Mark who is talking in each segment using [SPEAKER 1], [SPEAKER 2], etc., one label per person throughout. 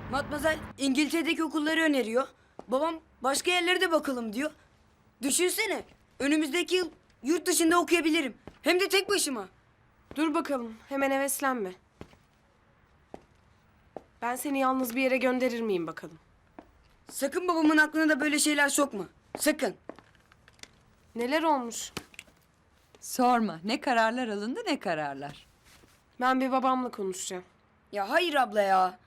[SPEAKER 1] Matmazel İngiltere'deki okulları öneriyor. Babam başka yerlere de bakalım diyor. Düşünsene, önümüzdeki yıl yurt dışında okuyabilirim. Hem de tek başıma.
[SPEAKER 2] Dur bakalım, hemen heveslenme. Ben seni yalnız bir yere gönderir miyim bakalım?
[SPEAKER 1] Sakın babamın aklına da böyle şeyler sokma. Sakın.
[SPEAKER 2] Neler olmuş?
[SPEAKER 3] Sorma. Ne kararlar alındı ne kararlar.
[SPEAKER 2] Ben bir babamla konuşacağım.
[SPEAKER 1] Ya hayır abla ya.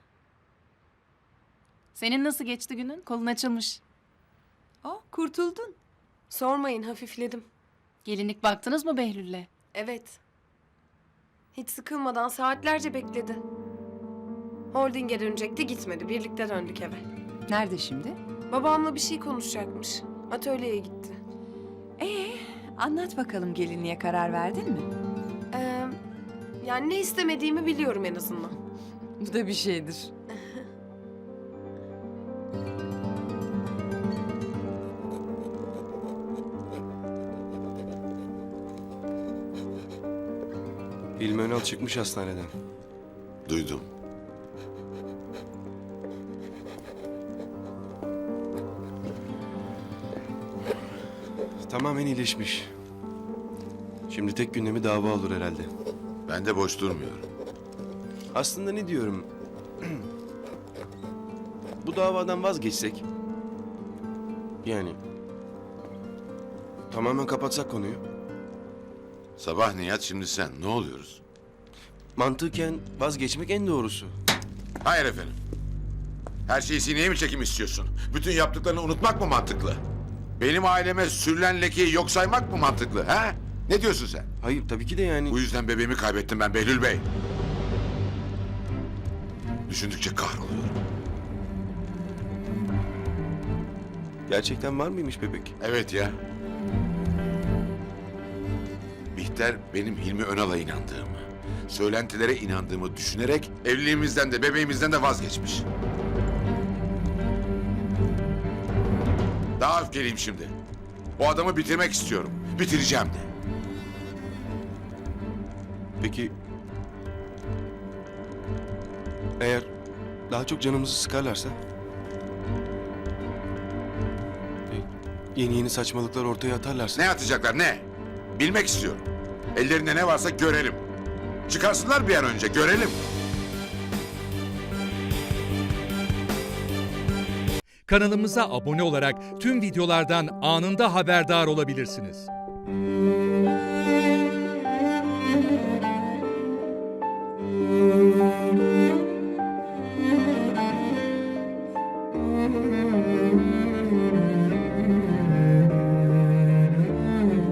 [SPEAKER 4] Senin nasıl geçti günün? Kolun açılmış.
[SPEAKER 3] Oh, kurtuldun.
[SPEAKER 2] Sormayın, hafifledim.
[SPEAKER 4] Gelinlik baktınız mı Behlül'le?
[SPEAKER 2] Evet. Hiç sıkılmadan saatlerce bekledi. Holding'e dönecekti, gitmedi. Birlikte döndük eve.
[SPEAKER 3] Nerede şimdi?
[SPEAKER 2] Babamla bir şey konuşacakmış. Atölyeye gitti.
[SPEAKER 3] Anlat bakalım, gelinliğe karar verdin mi?
[SPEAKER 2] Ee, Yani ne istemediğimi biliyorum en azından.
[SPEAKER 3] Bu da bir şeydir.
[SPEAKER 5] Hilmi Önal çıkmış hastaneden.
[SPEAKER 6] Duydum.
[SPEAKER 5] Tamamen iyileşmiş. Şimdi tek gündemi dava olur herhalde.
[SPEAKER 6] Ben de boş durmuyorum.
[SPEAKER 5] Aslında ne diyorum? Bu davadan vazgeçsek. Yani. Tamamen kapatsak konuyu.
[SPEAKER 6] Sabah Nihat, şimdi sen. Ne oluyoruz?
[SPEAKER 5] Mantıken vazgeçmek en doğrusu.
[SPEAKER 6] Hayır efendim. Her şeyi sineye mi çekim istiyorsun? Bütün yaptıklarını unutmak mı mantıklı? Benim aileme sürülen lekeyi yok saymak mı mantıklı? Ha? Ne diyorsun sen?
[SPEAKER 5] Hayır tabii ki de yani.
[SPEAKER 6] Bu yüzden bebeğimi kaybettim ben Behlül Bey. Düşündükçe kahroluyorum.
[SPEAKER 5] Gerçekten var mıymış bebek?
[SPEAKER 6] Evet ya. Bihter benim Hilmi Önal'a inandığımı, söylentilere inandığımı düşünerek evliliğimizden de bebeğimizden de vazgeçmiş. Daha öfkeliyim şimdi. O adamı bitirmek istiyorum. Bitireceğim de.
[SPEAKER 5] Peki. Eğer daha çok canımızı sıkarlarsa? Yeni yeni saçmalıklar ortaya atarlarsa?
[SPEAKER 6] Ne atacaklar ne? Bilmek istiyorum. Ellerinde ne varsa görelim. Çıkarsınlar bir an önce görelim.
[SPEAKER 7] Kanalımıza abone olarak tüm videolardan anında haberdar olabilirsiniz.